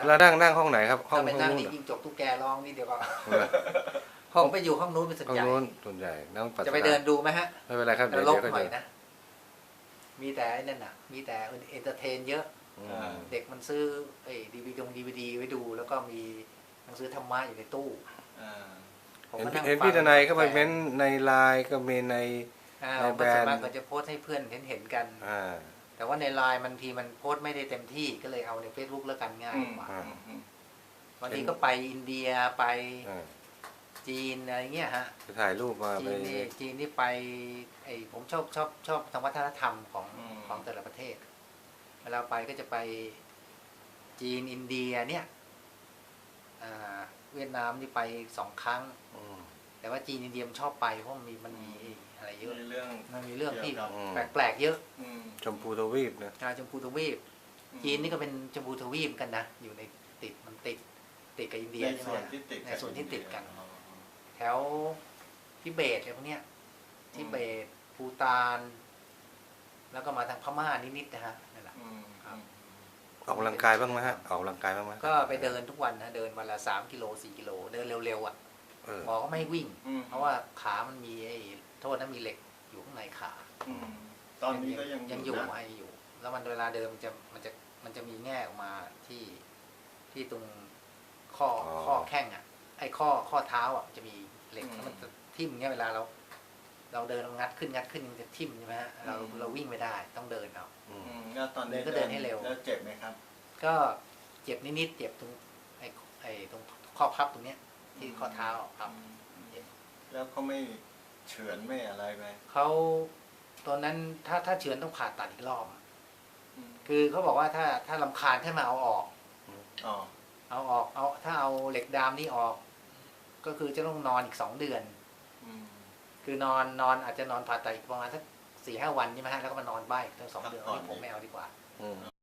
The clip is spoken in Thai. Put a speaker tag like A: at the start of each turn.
A: แล้วนั่งห้องไหนครับห้อง
B: ถ้าไปนั่ง
A: นู้น
B: นี่ยิงจบตุ๊กแกร้องนี่เดี๋ยวก็
A: ห้อง
B: ผมไปอยู่ห้องนู้นเป็นส่วน
A: ห้อง
B: ใหญ่
A: นู้นส่วนใหญ่นั่งปัสสาวะ
B: จะไปเดินดูไหมฮะ
A: ไม่เป็นไรครับ
B: น
A: เดี๋ยว
B: รก
A: ก็
B: หน่อย
A: เดิน
B: นะ มีแต่ไอ้นั่นน่ะ มีแต่เอนเตอร์เทนเยอะ
A: อืม
B: เด็กมันซื้อไอ้ดีวีดีไว้ดู แล้วก็มีหนังสือธรรมะอยู่ในตู้ผม
A: เห็น
B: ก็นั่ง
A: เห็น
B: ฟัง
A: พี่ทนายก็ไปเม้นในไลน์ก็มีใน
B: ผม
A: แบร
B: ส่วน
A: นด์
B: มากก็จะโพสต์ให้เพื่อนเห็นกัน แต่ว่าในไลน์มันทีมันโพสต์ไม่ได้เต็มที่ก็เลยเอาใน Facebook แล้วกันง่ายกว่าวันนี้ก็ไปอินเดียไปจีนอะไรเงี้ยฮะ
A: จะถ่ายรูปมา
B: จี
A: ไป
B: นนี่ไปผมชอบทางวัฒนธรรมของแต่ละประเทศเวลาไปก็จะไปจีนอินเดียเนี่ยเวียดนามนี่ไป2 ครั้งแต่ว่าจีนอินเดียมันชอบไปเพราะมันมีอะไรเยอะมันมีเรื่องที่แปลกๆเยอะ
A: ชมพูทวีปนะ
B: ชมพูทวีปจีนนี่ก็เป็นชมพูทวีปกันนะอยู่ในติดกับอินเดีย
C: ในส่วนที่ติด
B: ในส่วนที่ติดกัน แถวทิเบตอะไรพวกเนี้ยทิเบตภูฏาน แล้วก็มาทางพม่านิดๆนะฮะนั่นแหละครับ
A: ออกกำลังกายบ้างไหมฮะออกกำลังกายบ้างไหม
B: ก็ไปเดินทุกวันนะเดินวันละ3 กิโล 4 กิโลเดินเร็วๆอ่ะหมอก็ไม่ให้วิ่ง เพราะว่าขามันมีโทษนะมีเหล็กอยู่ข้างในขา
C: ตอนนี้ก็ยัง
B: อยู่อยู่ แล้วมันเวลาเดินมันจะมีแง่ออกมาที่ตรงข้อแข้งอ่ะไอ้ข้อเท้าอ่ะจะมีเหล็กแล้วมันจะทิ่มเงี้ยเวลาเราเดินงัดขึ้นมันจะทิ่มใช่ไหมฮะเราวิ่งไม่ได้ต้องเดินเอา
C: แล้วตอนนี้
B: ก็เดินให้เร็ว
C: แล้วเจ็บไหมครับ
B: ก็เจ็บนิดๆเจ็บตรงตรงข้อพับตรงเนี้ยที่ข้อเท้าครับ
C: แล้วเขาไม่เฉือนไม่อะไรไหม
B: เขาตอนนั้นถ้าเฉือนต้องผ่าตัดอีกรอบคือเขาบอกว่าถ้ารำคาญให้มาเอาออกถ้าเอาเหล็กดามนี่ออก ก็คือจะต้องนอนอีก2 เดือนคือนอนอาจจะนอนผ่าตัดอีกประมาณสัก4-5 วันใช่ไหมฮะแล้วก็มานอนบ้านอีกตั้ง2 เดือนนี่ผมไม่เอาดีกว่า